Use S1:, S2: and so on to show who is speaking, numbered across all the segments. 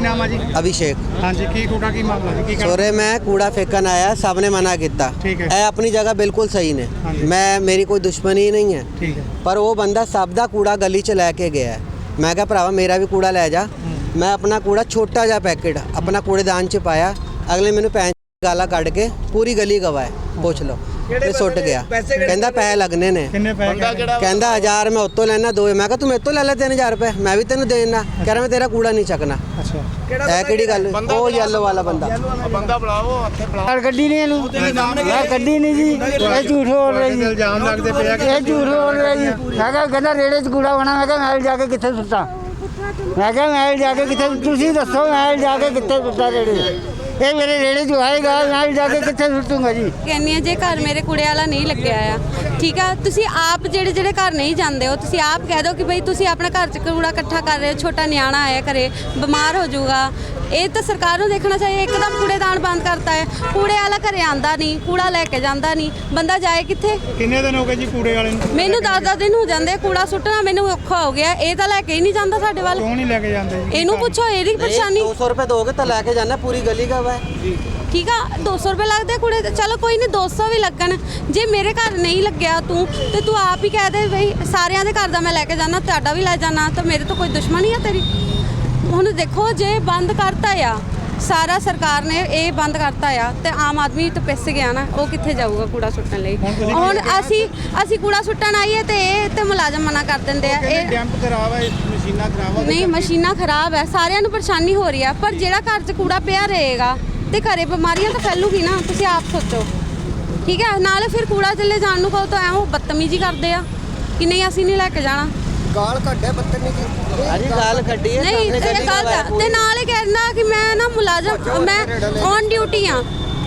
S1: नाम है जी?
S2: अभिषेक।
S1: हाँ जी, की थोड़ा की मामला है की
S2: सोरे मैं कूड़ा फेंकन आया, सब ने मना किया।
S1: ठीक है।
S2: ए अपनी जगह बिल्कुल सही ने,
S1: हाँ जी।
S2: मैं मेरी कोई दुश्मनी नहीं है,
S1: ठीक है।
S2: पर वो बंदा सब दा कूड़ा गली च लैके गया है। मैं कहा भरावा मेरा भी कूड़ा लै जा। मैं अपना कूड़ा छोटा जा पैकेट अपना कूड़ेदान च पाया, अगले मैंने पैंच गाला कढ़ के पूरी गली गवाए, पूछ लो ते सुट गया। कहंदा पैसे लगने ने,
S1: किन्ने पैसे?
S2: कहंदा 1000 मैं उत्तों लेना 2। मैं कहा तू मेरे तो ले ले 3000 रुपए, मैं भी तेन देना। कह रहा मैं तेरा कूड़ा नहीं चकना।
S1: अच्छा,
S2: है किहड़ी गल? वो येलो वाला बंदा
S3: ਬੰਦਾ ਬੁਲਾਓ ਹੱਥੇ ਬੁਲਾਓ
S4: ਗੱਡੀ ਨਹੀਂ ਇਹਨੂੰ ਮੈਂ ਗੱਡੀ ਨਹੀਂ ਜੀ ਇਹ ਝੂਠ ਬੋਲ ਰਹੀ ਜੀ
S1: ਇਲਜ਼ਾਮ ਲੱਗਦੇ ਪਏ ਆ
S4: ਇਹ ਝੂਠ ਬੋਲ ਰਹੀ ਜੀ ਮੈਂ ਕਿਹਾ ਕਹਿੰਦਾ ਰੇੜੇ 'ਚ ਕੂੜਾ ਹੋਣਾ ਮੈਂ ਕਿਹਾ ਮੈਂ ਜਾ ਕੇ ਕਿੱਥੇ ਸੁੱਟਾਂ ਮੈਂ ਕਿਹਾ ਮੈਂ ਜਾ ਕੇ ਕਿੱਥੇ ਤੁਸੀਂ ਦੱਸੋ ਮੈਂ ਜਾ ਕੇ ਕਿੱਥੇ ਸੁੱਟਾਂ ਰੇੜੇ ਇਹ ਮੇਰੇ ਰੇੜੇ 'ਚ ਆਏਗਾ ਮੈਂ ਜਾ ਕੇ ਕਿੱਥੇ ਸੁੱਟੂੰਗਾ ਜੀ
S5: ਕਹਿੰਨੀ ਆ ਜੇ ਘਰ ਮੇਰੇ ਕੂੜੇ ਵਾਲਾ ਨਹੀਂ ਲੱਗਿਆ ਆ ਠੀਕ ਆ ਤੁਸੀਂ ਆਪ ਜਿਹੜੇ ਘਰ ਨਹੀਂ ਜਾਂਦੇ ਹੋ ਤੁਸੀਂ ਆਪ ਕਹਿ ਦਿਓ ਕਿ ਬਈ ਤੁਸੀਂ ਆਪਣਾ ਘਰ 'ਚ ਕੂੜਾ ਇਕੱਠਾ ਕਰ ਰਹੇ ਹੋ ਛੋਟਾ ਨਿਆਣਾ ਆਇਆ ਘਰੇ ਬਿਮਾਰ ਹੋ ਜਾਊਗਾ ਇਹ ਤਾਂ ਸਰਕਾਰ ਨੂੰ ਦੇਖਣਾ ਚਾਹੀਏ ਇੱਕਦਮ ਕੂੜੇਦਾਨ ਬੰਦ ਕਰਤਾ ਹੈ ਕੂੜੇ ਵਾਲਾ ਘਰੇ ਆਂਦਾ ਨਹੀਂ ਕੂੜਾ ਲੈ ਕੇ ਜਾਂਦਾ ਨਹੀਂ ਬੰਦਾ ਜਾਏ ਕਿੱਥੇ
S1: ਕਿੰਨੇ ਦਿਨ ਹੋ ਗਏ ਜੀ ਕੂੜੇ ਵਾਲੇ ਨੂੰ?
S5: ਮੈਨੂੰ 10 ਦਿਨ ਹੋ ਜਾਂਦੇ ਕੂੜਾ ਸੁੱਟਣਾ ਮੈਨੂੰ ਔਖਾ ਹੋ ਗਿਆ ਇਹ ਤਾਂ ਲੈ ਕੇ ਹੀ ਨਹੀਂ ਜਾਂਦਾ ਸਾਡੇ ਵੱਲ
S1: ਕਿਉਂ ਨਹੀਂ ਲੈ ਕੇ ਜਾਂਦੇ ਜੀ?
S5: ਇਹਨੂੰ ਪੁੱਛੋ ਇਹਦੀ ਪਰੇਸ਼ਾਨੀ
S2: 200 रुपए दोगे तो लेके जाना, पूरी गली का हुआ है।
S5: ਠੀਕ ਆ 200 ਰੁਪਏ ਲੱਗਦੇ ਕੁੜੇ ਤੇ ਚਲੋ ਕੋਈ ਨਹੀਂ 200 ਵੀ ਲੱਗਣ ਜੇ ਮੇਰੇ ਘਰ ਨਹੀਂ ਲੱਗਿਆ ਤੂੰ ਤੇ ਤੂੰ ਆਪ ਹੀ ਕਹਿ ਦੇ ਬਈ ਸਾਰਿਆਂ ਦੇ ਘਰ ਦਾ ਮੈਂ ਲੈ ਕੇ ਜਾਣਾ ਤੁਹਾਡਾ ਵੀ ਲੈ ਜਾਣਾ ਤਾਂ ਮੇਰੇ ਤੋਂ ਕੋਈ ਦੁਸ਼ਮਣੀ ਆ ਤੇਰੀ ਹੁਣ ਦੇਖੋ ਜੇ ਬੰਦ ਕਰਤਾ ਆ ਸਾਰਾ ਸਰਕਾਰ ਨੇ ਇਹ ਬੰਦ ਕਰਤਾ ਆ ਤੇ ਆਮ ਆਦਮੀ ਤਾਂ ਪਿਸ ਗਿਆ ਨਾ ਉਹ ਕਿੱਥੇ ਜਾਊਗਾ ਕੂੜਾ ਸੁੱਟਣ ਲਈ ਹੁਣ ਅਸੀਂ ਕੂੜਾ ਸੁੱਟਣ ਆਈਏ ਤੇ ਇਹ ਤੇ ਮੁਲਾਜ਼ਮ ਮਨਾ ਕਰ ਦਿੰਦੇ ਆ ਇਹ
S1: ਡੈਂਪ ਖਰਾਬ ਹੈ ਮਸ਼ੀਨਾਂ ਖਰਾਬ ਆ
S5: ਨਹੀਂ ਮਸ਼ੀਨਾਂ ਖਰਾਬ ਹੈ ਸਾਰਿਆਂ ਨੂੰ ਪਰੇਸ਼ਾਨੀ ਹੋ ਰਹੀ ਆ ਪਰ ਜਿਹੜਾ ਘਰ 'ਚ ਕੂੜਾ ਪਿਆ ਰਹੇਗਾ ਤੇ ਘਰੇ ਬਿਮਾਰੀਆਂ ਤਾਂ ਫੈਲੂਗੀ ਨਾ ਤੁਸੀਂ ਆਪ ਸੋਚੋ ਠੀਕ ਹੈ ਨਾਲੇ ਫਿਰ ਕੂੜਾ ਚੱਲੇ ਜਾਣ ਨੂੰ ਕਹੋ ਤਾਂ ਐਵੇਂ ਬਦਤਮੀਜ਼ੀ ਕਰਦੇ ਆ ਕਿ ਨਹੀਂ ਅਸੀਂ ਨਹੀਂ ਲੈ ਕੇ ਜਾਣਾ
S2: गाल कड्डे बदतमीजी अरे गाल कड्डी है
S5: ਨਹੀਂ ਇਹ ਗਲਤ ਤੇ ਨਾਲ ਇਹ ਕਹਿਣਾ ਕਿ ਮੈਂ ਨਾ ਮੁਲਾਜ਼ਮ ਮੈਂ ਔਨ ਡਿਊਟੀ ਆ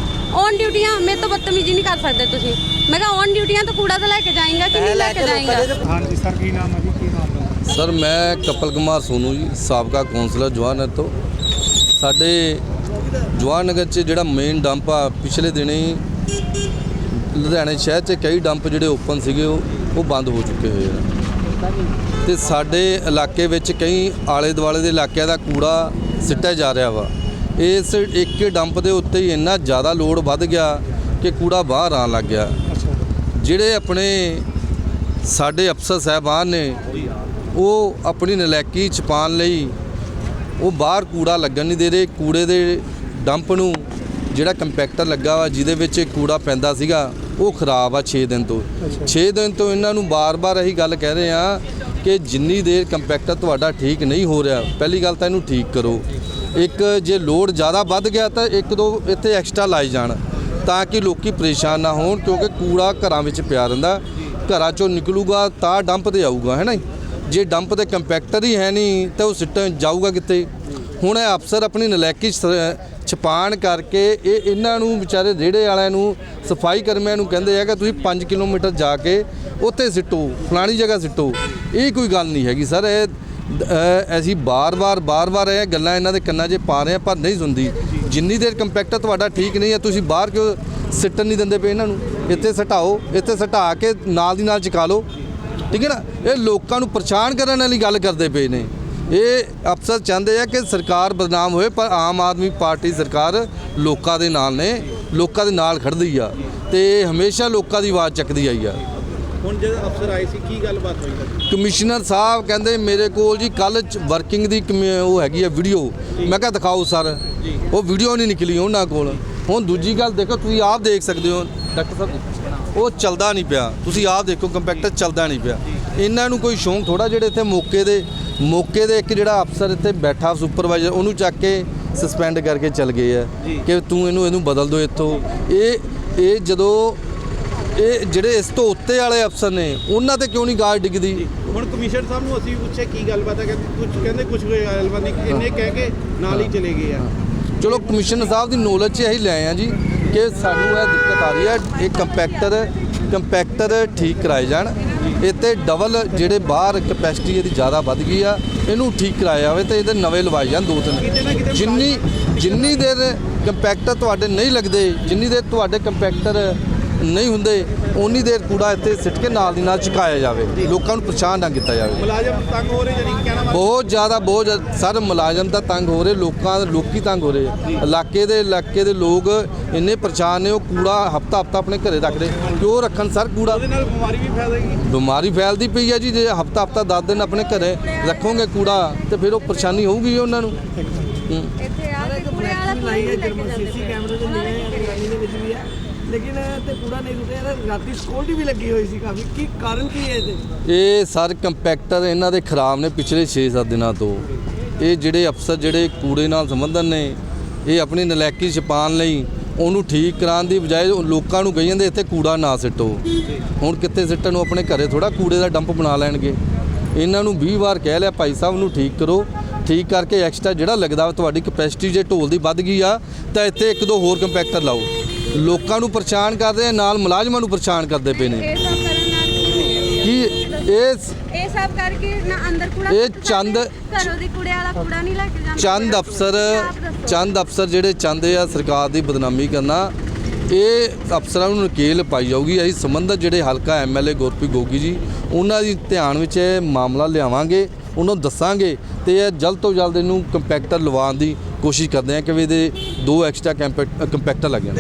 S5: ਮੇਰੇ ਤੋਂ ਬਦਤਮੀਜ਼ੀ ਨਹੀਂ ਕਰ ਸਕਦੇ ਤੁਸੀਂ ਮੈਂ ਕਿਹਾ ਔਨ ਡਿਊਟੀ ਆ ਤਾਂ ਕੂੜਾ ਤਾਂ ਲੈ ਕੇ ਜਾਏਗਾ ਕਿ ਨਹੀਂ ਲੈ ਕੇ ਜਾਏਗਾ
S1: ਹਾਂ ਜੀ ਸਰ ਕੀ ਨਾਮ ਹੈ ਜੀ ਕੀ ਮਾਮਲਾ?
S6: ਸਰ ਮੈਂ ਕਪਲ ਕੁਮਾਰ ਸੋਨੂ ਜੀ ਸਾਬਕਾ ਕੌਂਸਲਰ ਜਵਾਹਰ ਨਗਰ ਤੋਂ ਸਾਡੇ ਜਵਾਹਰ ਨਗਰ 'ਚ ਜਿਹੜਾ ਮੇਨ ਡੰਪ ਆ ਪਿਛਲੇ ਦਿਨੀ ਲੁਧਿਆਣੇ ਸ਼ਹਿਰ 'ਚ ਕਈ ਡੰਪ ਜਿਹੜੇ ਓਪਨ ਸੀਗੇ ਉਹ ਬੰਦ ਹੋ ਚੁੱਕੇ ਹੋਏ ਆ ਤੇ ਸਾਡੇ ਇਲਾਕੇ ਵਿੱਚ ਕਈ ਆਲੇ ਦੁਆਲੇ ਦੇ ਇਲਾਕਿਆਂ ਦਾ ਕੂੜਾ ਸਿੱਟਿਆ ਜਾ ਰਿਹਾ ਵਾ ਇਸ ਇੱਕ ਡੰਪ ਦੇ ਉੱਤੇ ਹੀ ਇੰਨਾ ਜ਼ਿਆਦਾ ਲੋਡ ਵੱਧ ਗਿਆ ਕਿ ਕੂੜਾ ਬਾਹਰ ਆਉਣ ਲੱਗ ਗਿਆ ਜਿਹੜੇ ਆਪਣੇ ਸਾਡੇ ਅਫਸਰ ਸਾਹਿਬਾਨ ਨੇ ਉਹ ਆਪਣੀ ਨਲਾਇਕੀ ਛੁਪਾਉਣ ਲਈ ਉਹ ਬਾਹਰ ਕੂੜਾ ਲੱਗਣ ਨਹੀਂ ਦੇ ਰਹੇ ਕੂੜੇ ਦੇ ਡੰਪ ਨੂੰ ਜਿਹੜਾ ਕੰਪੈਕਟਰ ਲੱਗਾ ਵਾ ਜਿਹਦੇ ਵਿੱਚ ਕੂੜਾ ਪੈਂਦਾ ਸੀਗਾ ਉਹ ਖਰਾਬ ਆ 6 ਦਿਨ ਤੋਂ 6 ਦਿਨ ਤੋਂ ਇਹਨਾਂ ਨੂੰ ਬਾਰ-ਬਾਰ ਇਹੀ ਗੱਲ ਕਹਿ ਰਹੇ ਆ ਕਿ ਜਿੰਨੀ ਦੇਰ ਕੰਪੈਕਟਰ ਤੁਹਾਡਾ ਠੀਕ ਨਹੀਂ ਹੋ ਰਿਹਾ ਪਹਿਲੀ ਗੱਲ ਤਾਂ ਇਹਨੂੰ ਠੀਕ ਕਰੋ ਇੱਕ ਜੇ ਲੋਡ ਜ਼ਿਆਦਾ ਵੱਧ ਗਿਆ ਤਾਂ ਇੱਕ ਦੋ ਇੱਥੇ ਐਕਸਟਰਾ ਲਾਏ ਜਾਣ ਤਾਂ ਕਿ ਲੋਕੀ ਪਰੇਸ਼ਾਨ ਨਾ ਹੋਣ ਕਿਉਂਕਿ ਕੂੜਾ ਘਰਾਂ ਵਿੱਚ ਪਿਆ ਰਹਿੰਦਾ ਘਰਾਂ ਚੋਂ ਨਿਕਲੂਗਾ ਤਾਂ ਡੰਪ ਤੇ ਆਊਗਾ ਹੈ ਨਾ ਜੇ ਡੰਪ ਤੇ ਕੰਪੈਕਟਰ ਹੀ ਹੈ ਨਹੀਂ ਤਾਂ ਉਹ ਸਿੱਟਣ ਜਾਊਗਾ ਕਿੱਥੇ ਹੁਣ ਇਹ ਅਫਸਰ ਆਪਣੀ ਨਲਾਇਕੀ ਛਪਾਣ ਕਰਕੇ ਇਹਨਾਂ ਨੂੰ ਵਿਚਾਰੇ ਰੇੜੇ ਵਾਲਿਆਂ ਨੂੰ ਸਫਾਈ ਕਰਮੀਆਂ ਨੂੰ ਕਹਿੰਦੇ ਆ ਕਿ ਤੁਸੀਂ 5 ਕਿਲੋਮੀਟਰ ਜਾ ਕੇ ਉੱਥੇ ਸਿੱਟੋ ਫਲਾਣੀ ਜਗ੍ਹਾ ਸਿੱਟੋ ਇਹ ਕੋਈ ਗੱਲ ਨਹੀਂ ਹੈਗੀ ਸਰ ਇਹ ਅਸੀਂ ਬਾਰ-ਬਾਰ ਇਹ ਗੱਲਾਂ ਇਹਨਾਂ ਦੇ ਕੰਨਾਂ 'ਚ ਪਾ ਰਹੇ ਆ ਪਰ ਨਹੀਂ ਸੁਣਦੀ ਜਿੰਨੀ ਦੇਰ ਕੰਪੈਕਟਰ ਤੁਹਾਡਾ ਠੀਕ ਨਹੀਂ ਹੈ ਤੁਸੀਂ ਬਾਹਰ ਕਿਉਂ ਸਿੱਟਣ ਨਹੀਂ ਦਿੰਦੇ ਪਏ ਇਹਨਾਂ ਨੂੰ ਇੱਥੇ ਸਿਟਾਓ ਇੱਥੇ ਸਿਟਾ ਕੇ ਨਾਲ ਦੀ ਨਾਲ ਚੁਕਾ ਲਓ ਠੀਕ ਹੈ ਨਾ ਇਹ ਲੋਕਾਂ ਨੂੰ ਪਰੇਸ਼ਾਨ ਕਰਨ ਵਾਲੀ ਗੱਲ ਕਰਦੇ ਪਏ ਨੇ ਇਹ ਅਫਸਰ ਚਾਹੁੰਦੇ ਆ ਕਿ ਸਰਕਾਰ ਬਦਨਾਮ ਹੋਏ ਪਰ ਆਮ ਆਦਮੀ ਪਾਰਟੀ ਸਰਕਾਰ ਲੋਕਾਂ ਦੇ ਨਾਲ ਨੇ ਲੋਕਾਂ ਦੇ ਨਾਲ ਖੜਦੀ ਆ ਤੇ ਹਮੇਸ਼ਾ ਲੋਕਾਂ ਦੀ ਆਵਾਜ਼ ਚੱਕਦੀ ਆਈ ਆ
S3: ਹੁਣ ਜਦ ਅਫਸਰ ਆਏ ਸੀ ਕੀ ਗੱਲਬਾਤ ਹੋਈ
S6: ਕਮਿਸ਼ਨਰ ਸਾਹਿਬ ਕਹਿੰਦੇ ਮੇਰੇ ਕੋਲ ਜੀ ਕੱਲ ਵਰਕਿੰਗ ਦੀ ਉਹ ਹੈਗੀ ਆ ਵੀਡੀਓ ਮੈਂ ਕਿਹਾ ਦਿਖਾਓ ਸਰ ਉਹ ਵੀਡੀਓ ਨਹੀਂ ਨਿਕਲੀ ਉਹਨਾਂ ਕੋਲ ਹੁਣ ਦੂਜੀ ਗੱਲ ਦੇਖੋ ਤੁਸੀਂ ਆਪ ਦੇਖ ਸਕਦੇ ਹੋ ਡਾਕਟਰ ਸਾਹਿਬ ਉਹ ਚੱਲਦਾ ਨਹੀਂ ਪਿਆ ਤੁਸੀਂ ਆਪ ਦੇਖੋ ਕੰਪੈਕਟਰ ਚੱਲਦਾ ਨਹੀਂ ਪਿਆ ਇਹਨਾਂ ਨੂੰ ਕੋਈ ਸ਼ੌਂਕ ਥੋੜਾ ਜਿਹੜੇ ਇੱਥੇ ਮੌਕੇ ਦੇ ਇੱਕ ਜਿਹੜਾ ਅਫਸਰ ਇੱਥੇ ਬੈਠਾ ਸੁਪਰਵਾਈਜ਼ਰ ਉਹਨੂੰ ਚੱਕ ਕੇ ਸਸਪੈਂਡ ਕਰਕੇ ਚੱਲ ਗਏ ਆ ਕਿ ਤੂੰ ਇਹਨੂੰ ਬਦਲ ਦਿਓ ਇੱਥੋਂ ਇਹ ਜਦੋਂ ਇਹ ਜਿਹੜੇ ਇਸ ਤੋਂ ਉੱਤੇ ਵਾਲੇ ਅਫਸਰ ਨੇ ਉਹਨਾਂ ਤੇ ਕਿਉਂ ਨਹੀਂ ਗਾਜ ਡਿੱਗਦੀ
S3: ਹੁਣ ਕਮਿਸ਼ਨਰ ਸਾਹਿਬ ਨੂੰ ਅਸੀਂ ਪੁੱਛਿਆ ਕੀ ਗੱਲਬਾਤ ਹੈ ਕਹਿੰਦੇ ਕੁਝ ਗੱਲਬਾਤ ਨਹੀਂ ਇੰਨੇ ਕਹਿ ਕੇ ਨਾਲ ਹੀ ਚਲੇ ਗਏ ਆ
S6: ਚਲੋ ਕਮਿਸ਼ਨਰ ਸਾਹਿਬ ਦੀ ਨੌਲੇਜ 'ਚ ਇਹੀ ਲੈ ਆ ਜੀ ਕਿ ਸਾਨੂੰ ਇਹ ਦਿੱਕਤ ਆ ਰਹੀ ਹੈ ਇਹ ਕੰਪੈਕਟਰ ਠੀਕ ਕਰਾਏ ਜਾਣ ਇੱਥੇ ਡਬਲ ਜਿਹੜੇ ਬਾਹਰ ਕੈਪੈਸਿਟੀ ਇਹਦੀ ਜ਼ਿਆਦਾ ਵੱਧ ਗਈ ਆ ਇਹਨੂੰ ਠੀਕ ਕਰਾਇਆ ਜਾਵੇ ਤੇ ਇਹਦੇ ਨਵੇਂ ਲਵਾਏ ਜਾਣ 2-3 ਜਿੰਨੀ ਦੇਰ ਕੰਪੈਕਟਰ ਤੁਹਾਡੇ ਨਹੀਂ ਲੱਗਦੇ ਜਿੰਨੀ ਦੇਰ ਤੁਹਾਡੇ ਕੰਪੈਕਟਰ ਨਹੀਂ ਹੁੰਦੇ ਉਨੀ ਦੇਰ ਕੂੜਾ ਇੱਥੇ ਸਿੱਟ ਕੇ ਨਾਲ ਦੀ ਨਾਲ ਚੁਕਾਇਆ ਜਾਵੇ, ਲੋਕਾਂ ਨੂੰ ਪਰੇਸ਼ਾਨ ਨਾ ਕੀਤਾ ਜਾਵੇ।
S3: ਮੁਲਾਜ਼ਮ ਤੰਗ ਹੋ ਰਹੇ ਜਾਨੀ ਕਿ ਕਹਿਣਾ
S6: ਬਹੁਤ ਜ਼ਿਆਦਾ ਸਰ ਮੁਲਾਜ਼ਮ ਤਾਂ ਤੰਗ ਹੋ ਰਹੇ, ਲੋਕੀ ਤੰਗ ਹੋ ਰਹੇ। ਇਲਾਕੇ ਦੇ ਲੋਕ ਇੰਨੇ ਪਰੇਸ਼ਾਨ ਨੇ, ਉਹ ਕੂੜਾ ਹਫਤਾ ਆਪਣੇ ਘਰੇ ਰੱਖਦੇ। ਕਿਉਂ ਰੱਖਣ ਸਰ ਕੂੜਾ?
S3: ਉਹਦੇ ਨਾਲ ਬਿਮਾਰੀ ਵੀ ਫੈਲੇਗੀ।
S6: ਬਿਮਾਰੀ ਫੈਲਦੀ ਪਈ ਹੈ ਜੀ। ਜੇ ਹਫਤਾ 10 ਦਿਨ ਆਪਣੇ ਘਰੇ ਰੱਖੋਗੇ ਕੂੜਾ ਤੇ ਫਿਰ ਉਹ ਪਰੇਸ਼ਾਨੀ ਹੋਊਗੀ ਜੀ ਉਹਨਾਂ ਨੂੰ।
S5: ਇੱਥੇ ਆ ਕੇ ਕੂੜੇ ਵਾਲਾ ਕੋਈ ਨਹੀਂ ਲੈ ਕੇ ਜਾਂਦੇ।
S7: ਕੈਮਰੇ ਤੇ ਨਹੀਂ ਹੈ, ਰੈਲੀ ਦੇ ਵਿੱਚ ਵੀ ਹੈ, ਲੇਕਿਨ ਤੇ ਕੂੜਾ ਨਹੀਂ ਰੁਕਿਆ। ਰਾਤੀ ਸਿਕਿਉਰਿਟੀ ਵੀ ਲੱਗੀ ਹੋਈ ਸੀ ਕਾਫੀ। ਕੀ ਕਾਰਨ ਕੀ ਹੈ ਇਹਦੇ?
S6: ਇਹ ਸਰ ਕੰਪੈਕਟਰ ਇਹਨਾਂ ਦੇ ਖਰਾਬ ਨੇ ਪਿਛਲੇ 6-7 ਦਿਨਾਂ ਤੋਂ। ਇਹ ਜਿਹੜੇ ਅਫਸਰ ਜਿਹੜੇ ਕੂੜੇ ਨਾਲ ਸੰਬੰਧਨ ਨੇ, ਇਹ ਆਪਣੀ ਨਲਾਇਕੀ ਛਪਾਉਣ ਲਈ ਉਹਨੂੰ ਠੀਕ ਕਰਾਉਣ ਦੀ ਬਜਾਏ ਲੋਕਾਂ ਨੂੰ ਕਹੀ ਜਾਂਦੇ ਇੱਥੇ ਕੂੜਾ ਨਾ ਸਿੱਟੋ। ਹੁਣ ਕਿੱਥੇ ਸਿੱਟਣ ਨੂੰ? ਆਪਣੇ ਘਰੇ ਥੋੜਾ ਕੂੜੇ ਦਾ ਡੰਪ ਬਣਾ ਲੈਣਗੇ। ਇਹਨਾਂ ਨੂੰ 20 ਵਾਰ ਕਹਿ ਲਿਆ ਭਾਈ ਸਾਹਿਬ ਨੂੰ ਠੀਕ ਕਰੋ, ਠੀਕ ਕਰਕੇ ਐਕਸਟਰਾ ਜਿਹੜਾ ਲੱਗਦਾ ਤੁਹਾਡੀ ਕਪੈਸਿਟੀ ਜੇ ਢੋਲ ਦੀ ਵੱਧ ਗਈ ਆ ਤਾਂ ਇੱਥੇ 1-2 ਹੋਰ ਕੰਪੈਕਟਰ ਲਾਓ। ਲੋਕਾਂ ਨੂੰ ਪਰੇਸ਼ਾਨ ਕਰਦੇ ਆ, ਨਾਲ ਮੁਲਾਜ਼ਮਾਂ ਨੂੰ ਪਰੇਸ਼ਾਨ ਕਰਦੇ ਪਏ ਨੇ।
S5: ਇਹ ਸਭ ਕਰਨ ਨਾਲ
S6: ਕੀ
S5: ਇਹ ਸਭ ਕਰਕੇ ਨਾ ਅੰਦਰ ਕੂੜਾ
S6: ਇਹ ਚੰਦ
S5: ਘਰੋਂ ਦੀ ਕੂੜੇ ਵਾਲਾ ਕੂੜਾ ਨਹੀਂ ਲੈ ਕੇ ਜਾਂਦਾ।
S6: ਚੰਦ ਅਫਸਰ ਜਿਹੜੇ ਚਾਹੁੰਦੇ ਆ ਸਰਕਾਰ ਦੀ ਬਦਨਾਮੀ ਕਰਨਾ, ਇਹ ਅਫਸਰਾਂ ਨੂੰ ਨਕੇਲ ਪਾਈ ਜਾਊਗੀ। ਅਸੀਂ ਸੰਬੰਧਿਤ ਜਿਹੜੇ ਹਲਕਾ ਐਮਐਲਏ ਗੁਰਪ੍ਰੀਤ ਗੋਗੀ ਜੀ, ਉਹਨਾਂ ਦੀ ਧਿਆਨ ਵਿੱਚ ਇਹ ਮਾਮਲਾ ਲਿਆਵਾਂਗੇ, ਉਹਨਾਂ ਨੂੰ ਦੱਸਾਂਗੇ ਤੇ ਇਹ ਜਲਦ ਤੋਂ ਜਲਦ ਇਹਨੂੰ ਕੰਪੈਕਟਰ ਲਵਾਉਣ ਦੀ ਕੋਸ਼ਿਸ਼ ਕਰਦੇ ਆ ਕਿ ਵੀ ਇਹਦੇ 2 ਐਕਸਟਰਾ ਕੰਪੈਕਟਰ ਲੱਗ ਜਾਣ।